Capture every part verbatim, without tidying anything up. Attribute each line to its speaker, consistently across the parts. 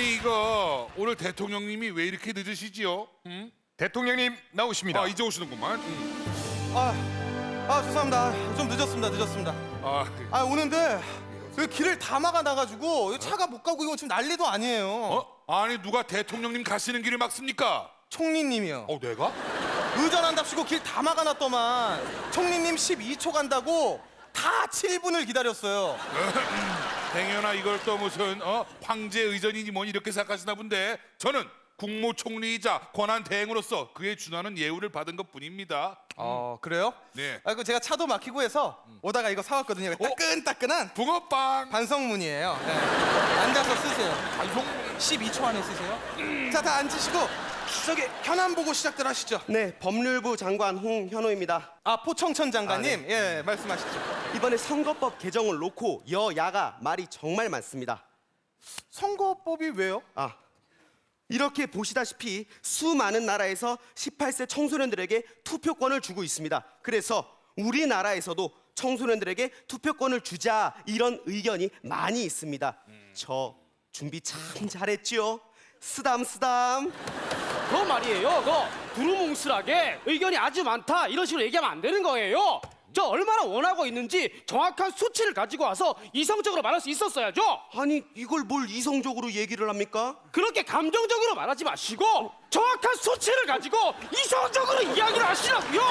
Speaker 1: 아니 이거 오늘 대통령님이 왜 이렇게 늦으시지요? 응?
Speaker 2: 대통령님 나오십니다.
Speaker 1: 아 이제 오시는구만. 응.
Speaker 3: 아, 아 죄송합니다. 좀 늦었습니다. 늦었습니다.
Speaker 1: 아,
Speaker 3: 아 오는데 그 길을 다 막아놔가지고 차가 못 가고 이거 지금 난리도 아니에요.
Speaker 1: 어? 아니 누가 대통령님 가시는 길을 막습니까?
Speaker 3: 총리님이요.
Speaker 1: 어 내가?
Speaker 3: 의전한답시고 길 다 막아놨더만 총리님 십이 초 간다고 다 칠 분을 기다렸어요.
Speaker 1: 행여나 이걸 또 무슨 어 황제 의전이니 뭐니 이렇게 생각하시나 본데 저는 국무총리이자 권한 대행으로서 그에 준하는 예우를 받은 것뿐입니다.
Speaker 3: 어 그래요?
Speaker 1: 네.
Speaker 3: 아 그 제가 차도 막히고 해서 오다가 이거 사왔거든요. 따끈따끈한
Speaker 1: 붕어빵.
Speaker 3: 반성문이에요. 네. 앉아서 쓰세요.
Speaker 1: 반성.
Speaker 3: 십이 초 안에 쓰세요. 자, 다 앉으시고 저기 현안 보고 시작들 하시죠.
Speaker 4: 네, 법률부 장관 홍현호입니다.
Speaker 3: 아 포청천 장관님,
Speaker 4: 아, 네.
Speaker 3: 예 말씀하시죠.
Speaker 4: 이번에 선거법 개정을 놓고 여야가 말이 정말 많습니다.
Speaker 3: 선거법이 왜요?
Speaker 4: 아, 이렇게 보시다시피 수많은 나라에서 십팔 세 청소년들에게 투표권을 주고 있습니다. 그래서 우리나라에서도 청소년들에게 투표권을 주자 이런 의견이 많이 있습니다. 저 준비 참 잘했지요? 쓰담 쓰담.
Speaker 5: 그 말이에요. 그 두루뭉술하게 의견이 아주 많다 이런 식으로 얘기하면 안 되는 거예요. 저 얼마나 원하고 있는지 정확한 수치를 가지고 와서 이성적으로 말할 수 있었어야죠.
Speaker 4: 아니 이걸 뭘 이성적으로 얘기를 합니까?
Speaker 5: 그렇게 감정적으로 말하지 마시고 정확한 수치를 가지고 이성적으로 이야기를 하시라고요.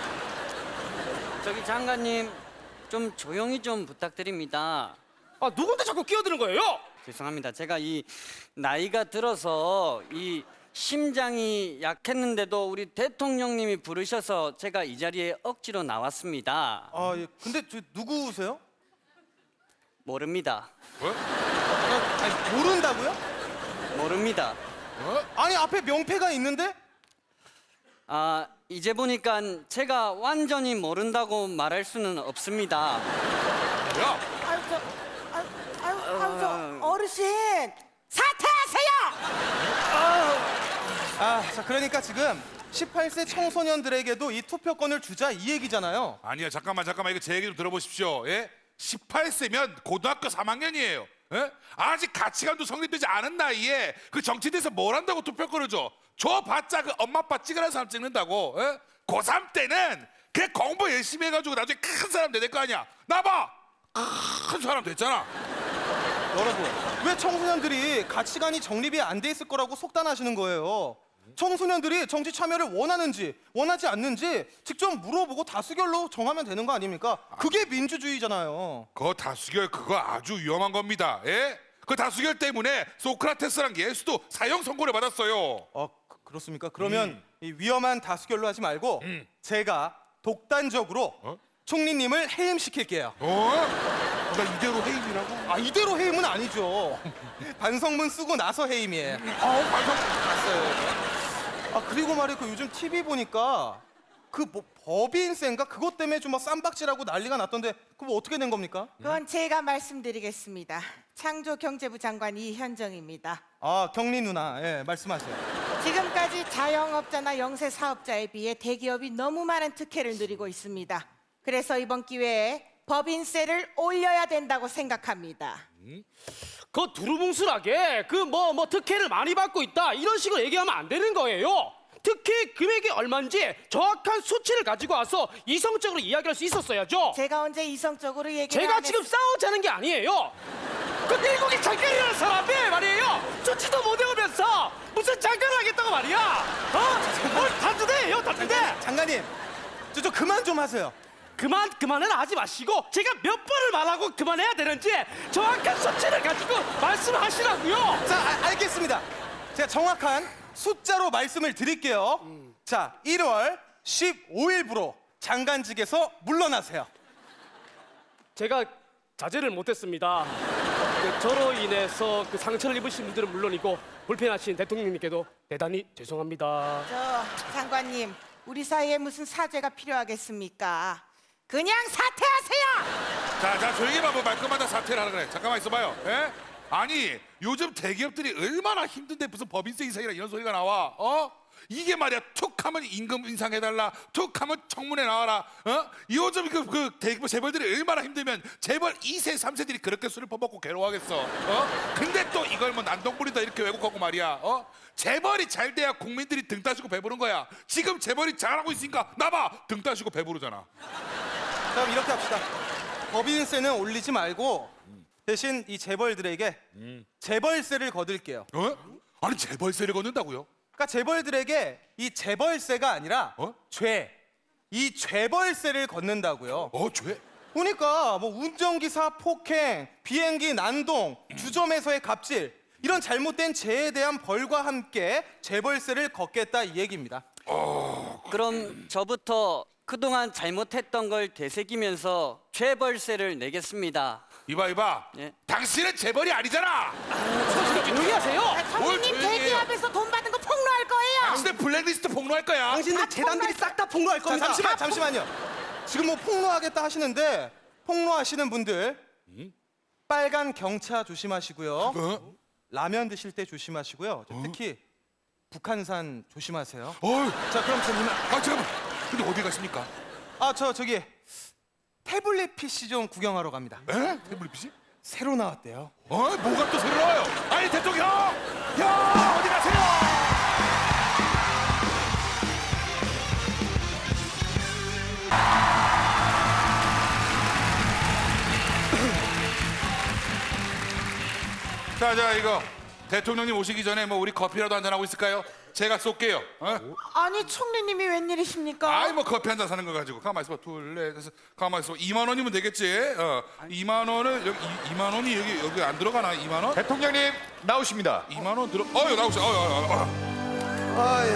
Speaker 6: 저기 장관님 좀 조용히 좀 부탁드립니다.
Speaker 5: 아 누군데 자꾸 끼어드는 거예요?
Speaker 6: 죄송합니다. 제가 이 나이가 들어서 이 심장이 약했는데도 우리 대통령님이 부르셔서 제가 이 자리에 억지로 나왔습니다.
Speaker 3: 아 예. 근데 저 누구세요?
Speaker 6: 모릅니다.
Speaker 1: 뭐?
Speaker 3: 아, 아니, 모른다고요?
Speaker 6: 모릅니다.
Speaker 1: 어?
Speaker 3: 아니 앞에 명패가 있는데?
Speaker 6: 아 이제 보니까 제가 완전히 모른다고 말할 수는 없습니다.
Speaker 1: 야,
Speaker 7: 아유 저 아유 아유 아유 저 어르신 사퇴하세요.
Speaker 3: 아, 자 그러니까 지금 십팔 세 청소년들에게도 이 투표권을 주자 이 얘기잖아요.
Speaker 1: 아니야 잠깐만 잠깐만 이거 제 얘기 좀 들어보십시오. 예? 십팔 세면 고등학교 삼 학년이에요. 예? 아직 가치관도 성립되지 않은 나이에 그 정치대에서 뭘 한다고 투표권을 줘? 줘봤자 그 엄마 아빠 찍으라는 사람 찍는다고. 예? 고삼 때는 그 공부 열심히 해가지고 나중에 큰 사람 될 거 아니야. 나봐 큰 사람 됐잖아.
Speaker 3: 여러분, 왜 청소년들이 가치관이 정립이 안 돼 있을 거라고 속단하시는 거예요? 청소년들이 정치 참여를 원하는지 원하지 않는지 직접 물어보고 다수결로 정하면 되는 거 아닙니까? 그게 민주주의잖아요.
Speaker 1: 그 다수결 그거 아주 위험한 겁니다. 예? 그 다수결 때문에 소크라테스랑 예수도 사형 선고를 받았어요.
Speaker 3: 어, 그- 그렇습니까? 그러면 이 위험한 다수결로 하지 말고
Speaker 1: 음.
Speaker 3: 제가 독단적으로
Speaker 1: 어?
Speaker 3: 총리님을 해임시킬게요.
Speaker 1: 어? 나 이대로 해임이라고?
Speaker 3: 아, 이대로 해임은 아니죠. 반성문 쓰고 나서 해임이에요.
Speaker 1: 아우 반성.
Speaker 3: 봤어요. 아, 그리고 말이야, 그 요즘 티비 보니까 그 뭐 법인세인가 그것 때문에 좀 막 쌈박질하고 난리가 났던데 그거 뭐 어떻게 된 겁니까?
Speaker 7: 그건 제가 말씀드리겠습니다. 창조경제부 장관 이현정입니다.
Speaker 3: 아, 경리 누나, 예, 말씀하세요.
Speaker 7: 지금까지 자영업자나 영세 사업자에 비해 대기업이 너무 많은 특혜를 누리고 있습니다. 그래서 이번 기회에 법인세를 올려야 된다고 생각합니다.
Speaker 5: 그 두루뭉술하게 그 뭐 뭐 특혜를 많이 받고 있다 이런 식으로 얘기하면 안 되는 거예요. 특혜 금액이 얼마인지 정확한 수치를 가지고 와서 이성적으로 이야기할 수 있었어야죠.
Speaker 7: 제가 언제 이성적으로 얘기를
Speaker 5: 제가
Speaker 7: 안
Speaker 5: 지금
Speaker 7: 했...
Speaker 5: 싸우자는 게 아니에요. 그 미국이 장관이라는 사람이 말이에요. 수치도 못 외우면서 무슨 장관을 하겠다고 말이야. 어? 뭘 단두대예요, 단두대.
Speaker 3: 장관님, 저, 저 그만 좀 하세요.
Speaker 5: 그만 그만은 하지 마시고 제가 몇 번을 말하고 그만해야 되는지 정확한 수치를 가지고 말씀하시라고요.
Speaker 3: 자, 아, 알겠습니다. 제가 정확한 숫자로 말씀을 드릴게요. 자, 일월 십오일부로 장관직에서 물러나세요.
Speaker 5: 제가 자제를 못했습니다. 그 저로 인해서 그 상처를 입으신 분들은 물론이고 불편하신 대통령님께도 대단히 죄송합니다.
Speaker 7: 저 장관님, 우리 사이에 무슨 사죄가 필요하겠습니까? 그냥 사퇴하세요.
Speaker 1: 자, 자 조용히 봐. 뭐 말끝마다 사퇴를 하라 그래. 잠깐만 있어봐요. 예? 아니 요즘 대기업들이 얼마나 힘든데 무슨 법인세 인상이라 이런 소리가 나와? 어? 이게 말이야 툭하면 임금 인상해달라, 툭하면 청문회 나와라. 어? 요즘 그, 그 대기업 재벌들이 얼마나 힘들면 재벌 이 세, 삼 세들이 그렇게 술을 퍼먹고 괴로워하겠어. 어? 근데 또 이걸 뭐 난동불이다 이렇게 왜곡하고 말이야. 어? 재벌이 잘 돼야 국민들이 등 따시고 배부른 거야. 지금 재벌이 잘하고 있으니까 나봐 등 따시고 배부르잖아.
Speaker 3: 그럼 이렇게 합시다. 법인세는 올리지 말고 대신 이 재벌들에게 재벌세를 거둘게요.
Speaker 1: 어? 아니 재벌세를 걷는다고요?
Speaker 3: 그러니까 재벌들에게 이 재벌세가 아니라
Speaker 1: 어?
Speaker 3: 죄, 이 죄벌세를 걷는다고요.
Speaker 1: 어 죄?
Speaker 3: 보니까 뭐 운전기사 폭행, 비행기 난동, 주점에서의 갑질 이런 잘못된 죄에 대한 벌과 함께 재벌세를 걷겠다 이 얘기입니다.
Speaker 6: 그럼 저부터 그동안 잘못했던 걸 되새기면서 죄벌세를 내겠습니다.
Speaker 1: 이봐 이봐.
Speaker 6: 예.
Speaker 1: 당신은 재벌이 아니잖아.
Speaker 5: 조용히 하세요.
Speaker 1: 뭘
Speaker 7: 청주님
Speaker 1: 조용히 해요?
Speaker 7: 대기업에서 돈 받은 거 폭로할 거예요.
Speaker 1: 당신의 블랙리스트 폭로할 거야.
Speaker 4: 당신들 재단들이 싹 다 폭로할
Speaker 3: 자,
Speaker 4: 겁니다.
Speaker 3: 잠시만, 잠시만요. 지금 뭐 폭로하겠다 하시는데 폭로하시는 분들 빨간 경차 조심하시고요.
Speaker 1: 어?
Speaker 3: 라면 드실 때 조심하시고요. 저 특히 북한산 조심하세요.
Speaker 1: 어이,
Speaker 3: 자, 그럼 저님,
Speaker 1: 아 잠깐만. 근데 어디 가십니까?
Speaker 3: 아, 저 저기 태블릿 피씨 좀 구경하러 갑니다.
Speaker 1: 에? 태블릿 피씨?
Speaker 3: 새로 나왔대요.
Speaker 1: 어? 뭐가 또 새로 나와요? 아니 대통령! 형! 어디 가세요? 자, 자 이거 대통령님 오시기 전에 뭐 우리 커피라도 한잔 하고 있을까요? 제가 쏠게요. 어?
Speaker 7: 아니 총리님이 웬일이십니까?
Speaker 1: 아이 뭐 커피 한 잔 사는 거 가지고 가만 있어봐. 둘, 넷, 다섯, 가만 있어봐. 이만 원이면 되겠지. 어, 이만 원을 여기 이- 이만 원이 여기 여기 안 들어가나? 이만 원?
Speaker 2: 대통령님 나오십니다.
Speaker 1: 이만 원 들어. 어여 나오세요. 어여 어여. 어여.
Speaker 3: 아, 예.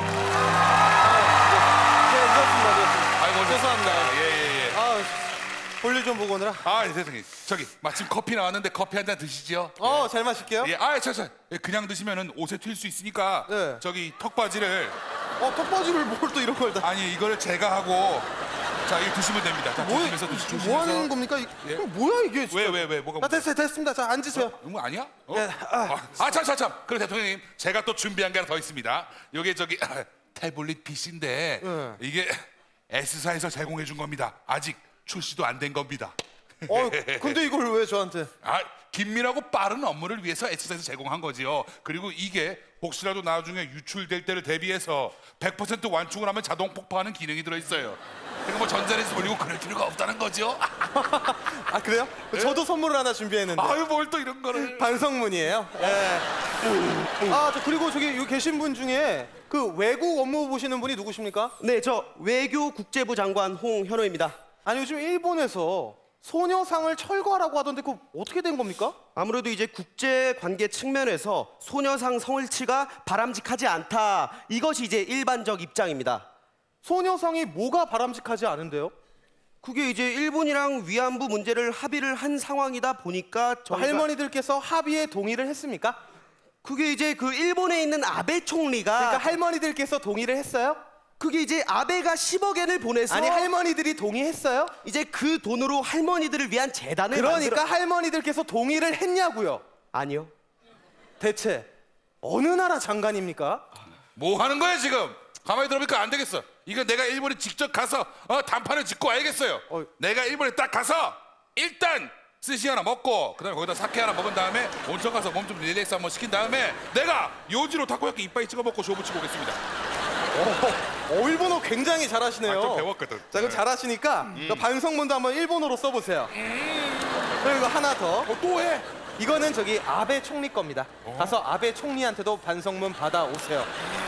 Speaker 3: 네, 늦었습니다, 늦었습니다.
Speaker 1: 아이고
Speaker 3: 죄송합니다.
Speaker 1: 예예 예.
Speaker 3: 아, 볼일 좀 보고 오느라.
Speaker 1: 아 대통령 저기 마침 커피 나왔는데 커피 한 잔 드시죠.
Speaker 3: 어, 잘 마실게요.
Speaker 1: 예. 아 저 저 그냥 드시면은 옷에 튈 수 있으니까
Speaker 3: 네.
Speaker 1: 저기 턱바지를
Speaker 3: 어, 턱받이를 뭘 또 이런 걸 다.
Speaker 1: 아니 이거를 제가 하고 자 이거 드시면 됩니다. 자
Speaker 3: 뭐,
Speaker 1: 조심해서 드시 조심해서.
Speaker 3: 뭐 하는 겁니까? 이-
Speaker 1: 예.
Speaker 3: 이거 뭐야 이게? 진짜.
Speaker 1: 왜 왜 왜 뭐가?
Speaker 3: 아, 됐어요, 됐습니다. 자, 앉으세요.
Speaker 1: 이거 아니야? 어?
Speaker 3: 예, 아.
Speaker 1: 아, 참, 참, 참. 그래, 대통령님. 제가 또 준비한 게 하나 더 있습니다. 이게 저기 태블릿 피씨인데
Speaker 3: 예.
Speaker 1: 이게 S사에서 제공해 준 겁니다. 아직 출시도 안 된 겁니다.
Speaker 3: 어, 근데 이걸 왜 저한테?
Speaker 1: 아, 긴밀하고 빠른 업무를 위해서 S사에서 제공한 거지요. 그리고 이게 혹시라도 나중에 유출될 때를 대비해서 백 퍼센트 완충을 하면 자동 폭파하는 기능이 들어있어요. 그러니까 뭐 전자레인지 돌리고 그럴 필요가 없다는 거죠.
Speaker 3: 아, 그래요? 저도 선물을 하나 준비했는데.
Speaker 1: 아유, 뭘 또 이런 거를.
Speaker 3: 반성문이에요. 예. 아, 저 그리고 저기 여기 계신 분 중에 그 외국 업무 보시는 분이 누구십니까?
Speaker 4: 네, 저 외교국제부 장관 홍현호입니다.
Speaker 3: 아니 요즘 일본에서 소녀상을 철거하라고 하던데 그거 어떻게 된 겁니까?
Speaker 4: 아무래도 이제 국제 관계 측면에서 소녀상 성일치가 바람직하지 않다. 이것이 이제 일반적 입장입니다.
Speaker 3: 소녀상이 뭐가 바람직하지 않은데요?
Speaker 4: 그게 이제 일본이랑 위안부 문제를 합의를 한 상황이다 보니까 저희가
Speaker 3: 할머니들께서 합의에 동의를 했습니까?
Speaker 4: 그게 이제 그 일본에 있는 아베 총리가
Speaker 3: 그러니까 할머니들께서 동의를 했어요?
Speaker 4: 그게 이제 아베가 십억 엔을 보내서
Speaker 3: 아니 할머니들이 동의했어요?
Speaker 4: 이제 그 돈으로 할머니들을 위한 재단을
Speaker 3: 그러니까
Speaker 4: 만들어...
Speaker 3: 할머니들께서 동의를 했냐고요?
Speaker 4: 아니요.
Speaker 3: 대체 어느 나라 장관입니까?
Speaker 1: 뭐 하는 거야 지금? 가만히 들어보니까 안 되겠어. 이거 내가 일본에 직접 가서 어, 단판을 짓고 와야겠어요.
Speaker 3: 어.
Speaker 1: 내가 일본에 딱 가서 일단 스시 하나 먹고 그다음에 거기다 사케 하나 먹은 다음에 온천 가서 몸 좀 릴렉스 한번 시킨 다음에 내가 요지로 타코야끼 이빠이 찍어 먹고 쇼부 치고 오겠습니다.
Speaker 3: 어, 일본어 굉장히 잘하시네요.
Speaker 1: 아, 좀 배웠거든.
Speaker 3: 자, 그럼 잘하시니까 그 반성문도 한번 일본어로 써보세요. 그리고 하나 더.
Speaker 1: 어, 또 해.
Speaker 3: 이거는 저기 아베 총리 겁니다. 가서 아베 총리한테도 반성문 받아오세요.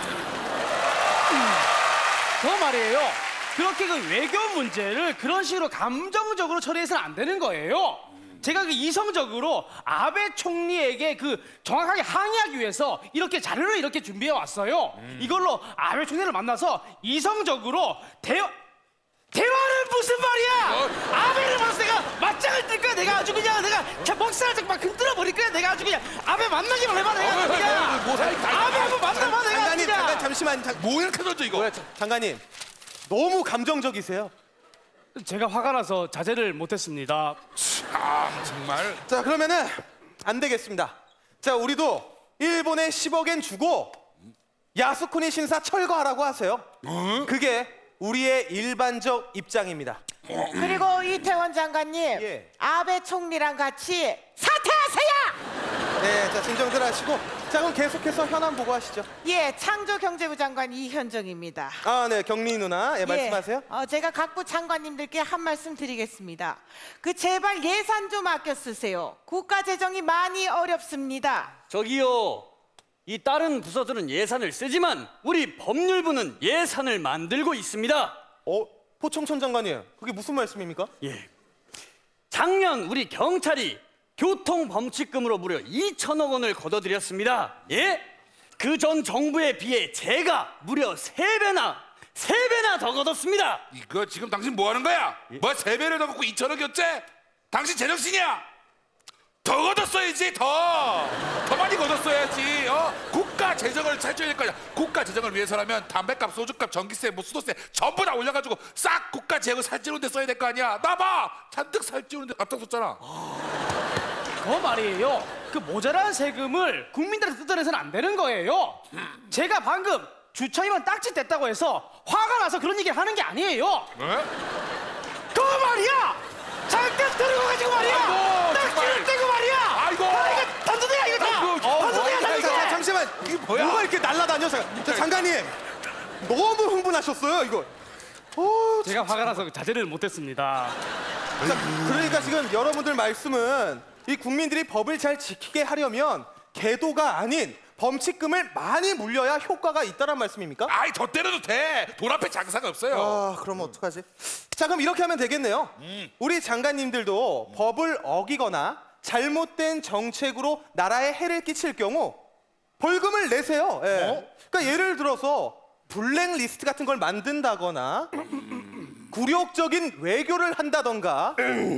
Speaker 5: 저 말이에요. 그렇게 그 외교 문제를 그런 식으로 감정적으로 처리해서는 안 되는 거예요. 제가 그 이성적으로 아베 총리에게 그 정확하게 항의하기 위해서 이렇게 자료를 이렇게 준비해 왔어요. 이걸로 아베 총리를 만나서 이성적으로 대화 대화는 무슨 말이야? 아베를 만나서 내가 맞짱을 뜰 거야. 내가 아주 그냥 내가 먹살을 막 흔들어 버릴 거야. 내가 아주 그냥 아베 만나기만 해봐. 내가 그냥
Speaker 1: 뭐 살-
Speaker 5: 아베 한번 만나봐. 내가
Speaker 3: 장관님,
Speaker 5: 그냥.
Speaker 3: 잠깐 잠시만. 장,
Speaker 1: 뭐 이렇게 던져 이거?
Speaker 3: 뭐야, 자, 장관님. 너무 감정적이세요.
Speaker 5: 제가 화가 나서 자제를 못했습니다.
Speaker 1: 아 정말.
Speaker 3: 자, 그러면은 안 되겠습니다. 자, 우리도 일본에 십억엔 주고 야스쿠니 신사 철거하라고 하세요. 그게 우리의 일반적 입장입니다.
Speaker 7: 그리고 이태원 장관님,
Speaker 3: 예.
Speaker 7: 아베 총리랑 같이 사퇴하세요.
Speaker 3: 네, 자, 진정들 하시고. 자, 그럼 계속해서 현안 보고하시죠.
Speaker 7: 예, 창조경제부 장관 이현정입니다.
Speaker 3: 아, 네, 경리 누나, 예, 말씀하세요.
Speaker 7: 예, 어, 제가 각부 장관님들께 한 말씀 드리겠습니다. 그 제발 예산 좀 아껴 쓰세요. 국가 재정이 많이 어렵습니다.
Speaker 6: 저기요. 이 다른 부서들은 예산을 쓰지만 우리 법률부는 예산을 만들고 있습니다.
Speaker 3: 어, 포청천 장관님, 그게 무슨 말씀입니까?
Speaker 6: 예. 작년 우리 경찰이 교통범칙금으로 무려 이천억 원을 걷어들였습니다. 예? 그 전 정부에 비해 제가 무려 세 배나 세 배나 더 걷었습니다.
Speaker 1: 이거 지금 당신 뭐 하는 거야? 뭐 세 배를 더 먹고 이천억이었지? 당신 제정신이야? 더 걷었어야지 더! 더 많이 걷었어야지. 어? 국가 재정을 살쪄야 될 거야. 국가 재정을 위해서라면 담배값, 소주값, 전기세, 뭐 수도세 전부 다 올려가지고 싹 국가 재정을 살찌우는 데 써야 될 거 아니야. 나 봐! 잔뜩 살찌우는 데 앞장섰잖아.
Speaker 5: 그 말이에요. 그 모자란 세금을 국민들한테 뜯어내서는 안 되는 거예요. 제가 방금 주차위반 딱지 뗐다고 해서 화가 나서 그런 얘기를 하는 게 아니에요.
Speaker 1: 네?
Speaker 5: 그 말이야! 잠깐 들고 가지고 말이야!
Speaker 1: 아이고,
Speaker 5: 딱지를
Speaker 1: 정말.
Speaker 5: 떼고 말이야!
Speaker 1: 아이고.
Speaker 5: 아, 이거 단두대야 이거 다!
Speaker 1: 아이고, 어,
Speaker 5: 단두대야
Speaker 1: 뭐야,
Speaker 3: 자,
Speaker 5: 단두대!
Speaker 3: 자, 잠시만.
Speaker 1: 이게 뭐야?
Speaker 3: 뭐가 이렇게 날라다녀? 자, 자, 장관님, 너무 흥분하셨어요, 이거. 어,
Speaker 5: 제가 화가 나서 자제를 못했습니다.
Speaker 3: 자, 그러니까 지금 여러분들 말씀은 이 국민들이 법을 잘 지키게 하려면 계도가 아닌 범칙금을 많이 물려야 효과가 있다란 말씀입니까?
Speaker 1: 아이 더 때려도 돼. 돈 앞에 장사가 없어요.
Speaker 3: 아, 그럼 어떡하지? 자, 그럼 이렇게 하면 되겠네요. 우리 장관님들도 법을 어기거나 잘못된 정책으로 나라에 해를 끼칠 경우 벌금을 내세요. 예. 그러니까 예를 들어서 블랙리스트 같은 걸 만든다거나 굴욕적인 외교를 한다던가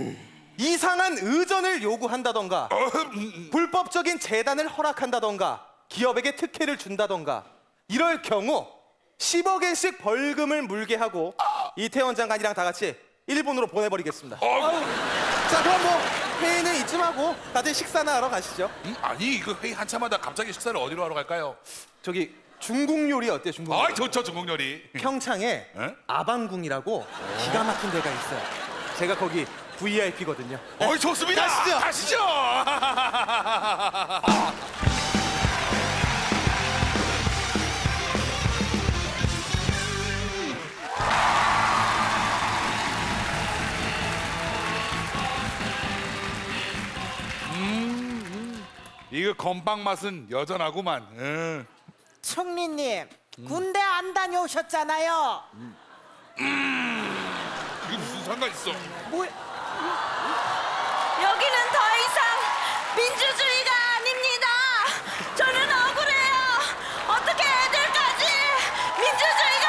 Speaker 3: 이상한 의전을 요구한다던가 불법적인 재단을 허락한다던가 기업에게 특혜를 준다던가 이럴 경우 십억엔씩 벌금을 물게 하고 이태원 장관이랑 다 같이 일본으로 보내버리겠습니다. 자, 그럼 뭐 회의는 이쯤 하고 다들 식사나 하러 가시죠.
Speaker 1: 음, 아니 이거 회의 한참 하다 갑자기 식사를 어디로 하러 갈까요?
Speaker 3: 저기 중국 요리 어때요? 중국 요리?
Speaker 1: 아이 좋죠 중국 요리.
Speaker 3: 평창에
Speaker 1: 에?
Speaker 3: 아방궁이라고 기가 막힌 데가 있어요. 제가 거기 브이아이피거든요.
Speaker 1: 어이 좋습니다.
Speaker 3: 가시죠.
Speaker 1: 가시죠. 음, 이거 건빵 맛은 여전하구만. 응.
Speaker 7: 총리님, 군대 안 다녀오셨잖아요.
Speaker 1: 이게 무슨 상관 있어?
Speaker 7: 뭐,
Speaker 2: 여기는 더 이상 민주주의가 아닙니다. 저는 억울해요. 어떻게 애들까지 민주주의가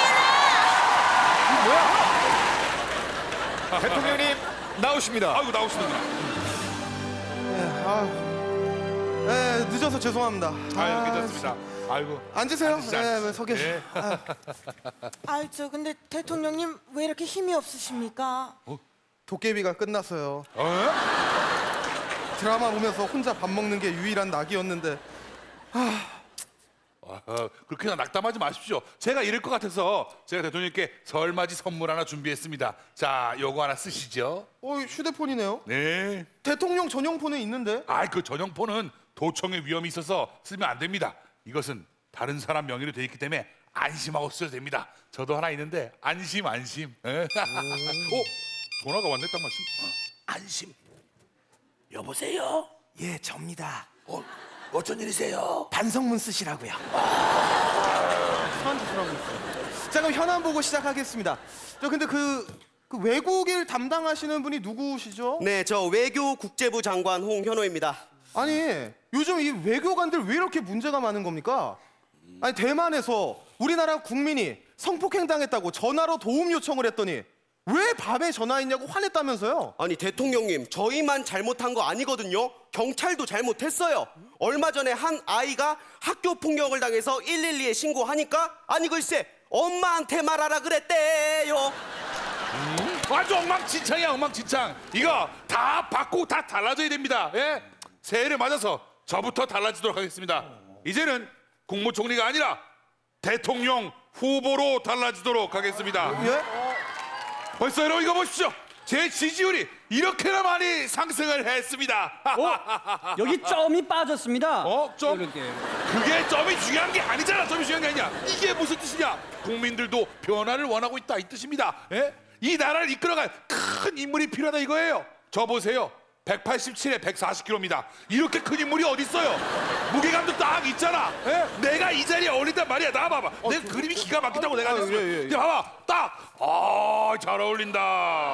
Speaker 2: 아닙니다.
Speaker 8: 대통령님 나오십니다.
Speaker 1: 아이고 나오시는구나.
Speaker 3: 예, 아, 예, 늦어서 죄송합니다.
Speaker 1: 아유 괜찮습니다. 아이고.
Speaker 3: 앉으세요.
Speaker 1: 앉으시죠,
Speaker 3: 예,
Speaker 1: 앉으시죠.
Speaker 3: 서 계시.
Speaker 1: 예.
Speaker 7: 아이 저 근데 대통령님 왜 이렇게 힘이 없으십니까?
Speaker 3: 도깨비가 끝났어요.
Speaker 1: 어?
Speaker 3: 드라마 보면서 혼자 밥 먹는 게 유일한 낙이었는데.
Speaker 1: 어, 그렇게 낙담하지 마십시오. 제가 이럴 것 같아서 제가 대통령님께 설맞이 선물 하나 준비했습니다. 자, 요거 하나 쓰시죠.
Speaker 3: 어, 휴대폰이네요.
Speaker 1: 네.
Speaker 3: 대통령 전용 폰은 있는데.
Speaker 1: 아, 그 전용폰은 도청의 위험이 있어서 쓰면 안 됩니다. 이것은 다른 사람 명의로 돼 있기 때문에 안심하고 쓰셔도 됩니다. 저도 하나 있는데 안심 안심. 에? 어? 전화가 왔네 딱 마침. 어. 안심. 여보세요?
Speaker 3: 예, 접니다.
Speaker 1: 어, 어쩐 일이세요?
Speaker 3: 반성문 쓰시라고요. 저한테 쓰라고 있어요. 자, 그럼 현안 보고 시작하겠습니다. 저 근데 그, 그 외국일 담당하시는 분이 누구시죠?
Speaker 4: 네, 저 외교 국제부 장관 홍현호입니다.
Speaker 3: 아니, 요즘 이 외교관들 왜 이렇게 문제가 많은 겁니까? 아니, 대만에서 우리나라 국민이 성폭행 당했다고 전화로 도움 요청을 했더니 왜 밤에 전화했냐고 화냈다면서요?
Speaker 4: 아니 대통령님, 저희만 잘못한 거 아니거든요. 경찰도 잘못했어요. 얼마 전에 한 아이가 학교 폭력을 당해서 일일이에 신고하니까 아니 글쎄 엄마한테 말하라 그랬대요.
Speaker 1: 아주 엉망진창이야 엉망진창. 이거 다 바꾸고 다 달라져야 됩니다. 예? 새해를 맞아서 저부터 달라지도록 하겠습니다. 이제는 국무총리가 아니라 대통령 후보로 달라지도록 하겠습니다.
Speaker 3: 예?
Speaker 1: 벌써 여러분 이거 보십시오. 제 지지율이 이렇게나 많이 상승을 했습니다.
Speaker 6: 어? 여기 점이 빠졌습니다.
Speaker 1: 어? 점?
Speaker 6: 이렇게.
Speaker 1: 그게 점이 중요한 게 아니잖아. 점이 중요한 게 아니야. 이게 무슨 뜻이냐? 국민들도 변화를 원하고 있다 이 뜻입니다. 예? 이 나라를 이끌어갈 큰 인물이 필요하다 이거예요. 저 보세요. 백팔십칠에 백사십 킬로그램입니다. 이렇게 큰 인물이 어디 있어요? 무게감도 딱 있잖아. 예? 내가 이 자리에 어울린단 말이야. 나 봐봐. 내 그림이 기가 막히다고 내가 했어.
Speaker 3: 예, 예, 예.
Speaker 1: 근데 봐봐. 딱. 아, 잘 어울린다.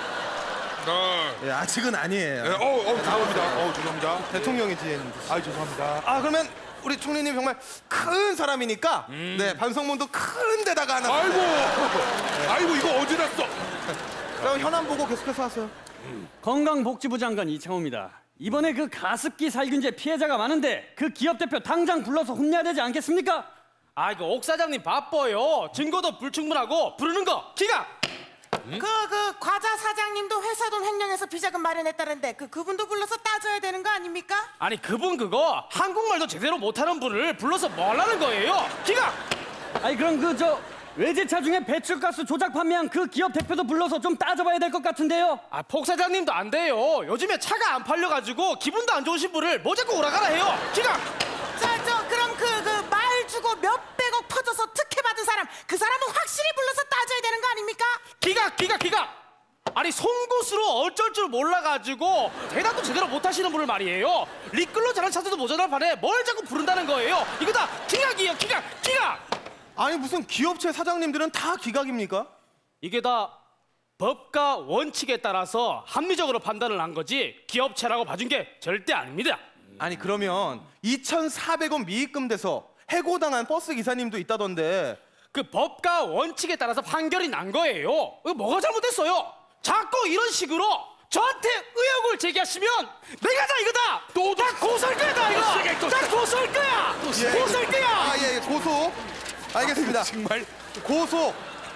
Speaker 1: 네.
Speaker 3: 예, 아직은 아니에요.
Speaker 1: 예, 어, 어, 죄송합니다. 어, 죄송합니다.
Speaker 3: 대통령이 뒤에 있는데.
Speaker 1: 아, 죄송합니다.
Speaker 3: 아 그러면 우리 총리님 정말 큰 사람이니까 네 반성문도 큰 데다가 하나.
Speaker 1: 아이고, 아이고 이거 어디 났어?
Speaker 3: 그럼 현안 보고 계속해서 하세요.
Speaker 6: 건강복지부 장관 이창호입니다. 이번에 그 가습기 살균제 피해자가 많은데 그 기업 대표 당장 불러서 혼내야 되지 않겠습니까?
Speaker 5: 아 이거 옥 사장님 바빠요. 증거도 불충분하고 부르는 거 기가.
Speaker 7: 그 그 과자 사장님도 회사 돈 횡령해서 비자금 마련했다는데 그 그분도 불러서 따져야 되는 거 아닙니까?
Speaker 5: 아니 그분 그거 한국말도 제대로 못하는 분을 불러서 뭐 하려는 거예요? 기가.
Speaker 6: 아니 그럼 그 저 외제차 중에 배출가스 조작 판매한 그 기업 대표도 불러서 좀 따져봐야 될 것 같은데요.
Speaker 5: 아 폭 사장님도 안 돼요. 요즘에 차가 안 팔려가지고 기분도 안 좋으신 분을 뭐 자꾸 오라가라 해요. 기가.
Speaker 7: 자, 저 그럼 그 그 말 주고 몇백억 터져서 특혜 받은 사람 그 사람은 확실히 불러서 따져야 되는 거 아닙니까?
Speaker 5: 기가 기가 기가. 아니 송곳으로 어쩔 줄 몰라가지고 대답도 제대로 못하시는 분을 말이에요. 리끌로 잘한 차들도 모자란 판에 뭘 자꾸 부른다는 거예요. 이거 다 기각이에요. 기각 기각.
Speaker 3: 아니 무슨 기업체 사장님들은 다 기각입니까?
Speaker 5: 이게 다 법과 원칙에 따라서 합리적으로 판단을 한 거지 기업체라고 봐준 게 절대 아닙니다.
Speaker 3: 아니 그러면 이천사백 원 미입금 돼서 해고당한 버스 기사님도 있다던데.
Speaker 5: 그 법과 원칙에 따라서 판결이 난 거예요. 이거 뭐가 잘못됐어요? 자꾸 이런 식으로 저한테 의혹을 제기하시면 내가 다 이거다. 또 다 고소할 거야 다 이거. 다 고소할 거야. 고소할 거야.
Speaker 3: 아예 예, 고소. 알겠습니다.
Speaker 1: 정말
Speaker 3: 고소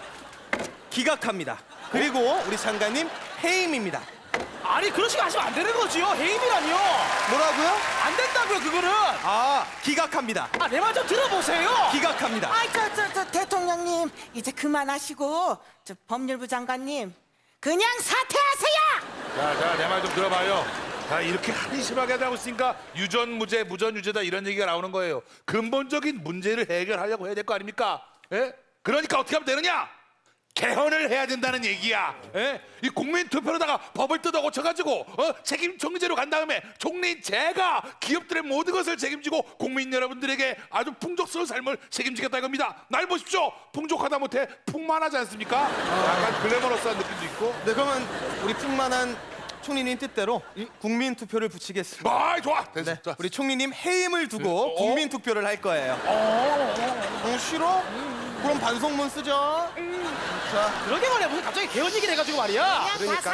Speaker 3: 기각합니다. 그리고 우리 장관님 해임입니다.
Speaker 5: 아니 그런 식으로 하시면 안 되는 거지요. 해임이라니요.
Speaker 3: 뭐라고요?
Speaker 5: 안 된다고요 그거는.
Speaker 3: 아 기각합니다.
Speaker 5: 아 내 말 좀 들어보세요.
Speaker 3: 기각합니다.
Speaker 7: 아이 저 저 저 대통령님 이제 그만하시고 저 법률부 장관님 그냥 사퇴하세요.
Speaker 1: 자, 자, 내 말 좀 들어봐요. 자, 이렇게 한심하게 하고 있으니까 유전무죄, 무전유죄다 이런 얘기가 나오는 거예요. 근본적인 문제를 해결하려고 해야 될 거 아닙니까? 예? 그러니까 어떻게 하면 되느냐? 개헌을 해야 된다는 얘기야. 예? 이 국민 투표로다가 법을 뜯어 고쳐가지고 어? 책임 총리제로 간 다음에 총리 제가 기업들의 모든 것을 책임지고 국민 여러분들에게 아주 풍족스러운 삶을 책임지겠다 이겁니다. 날 보십시오. 풍족하다 못해 풍만하지 않습니까? 약간 글래머러스한 느낌도 있고.
Speaker 3: 네 그러면 우리 풍만한 총리님 뜻대로 국민 투표를 붙이겠습니다.
Speaker 1: 아, 좋아. 됐어.
Speaker 3: 네,
Speaker 1: 자,
Speaker 3: 우리 총리님 해임을 두고
Speaker 1: 어?
Speaker 3: 국민 투표를 할 거예요. 어, 싫어? 그럼 반성문 쓰죠. 자,
Speaker 5: 그러게 말이야. 무슨 갑자기 개헌 얘기를 해가지고 말이야.
Speaker 7: 그냥 다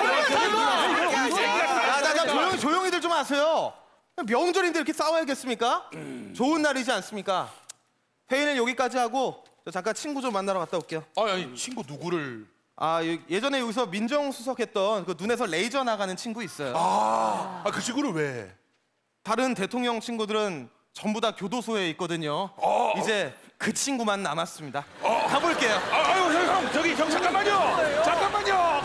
Speaker 7: 사퇴하세요.
Speaker 3: 아, 나, 나 조용히 조용히들 좀 하세요. 명절인데 이렇게 싸워야겠습니까? 좋은 날이지 않습니까? 회의는 여기까지 하고 저 잠깐 친구 좀 만나러 갔다 올게요.
Speaker 1: 아니, 아니 친구 누구를?
Speaker 3: 아 여- 예전에 여기서 민정수석했던 그 눈에서 레이저 나가는 친구 있어요.
Speaker 1: 아, 아, 그 친구를 왜?
Speaker 3: 다른 대통령 친구들은 전부 다 교도소에 있거든요. 이제 그 친구만 남았습니다. 가볼게요.
Speaker 1: 아, 아유, 형, 형, 저기 형 잠깐만요. 잠깐만요.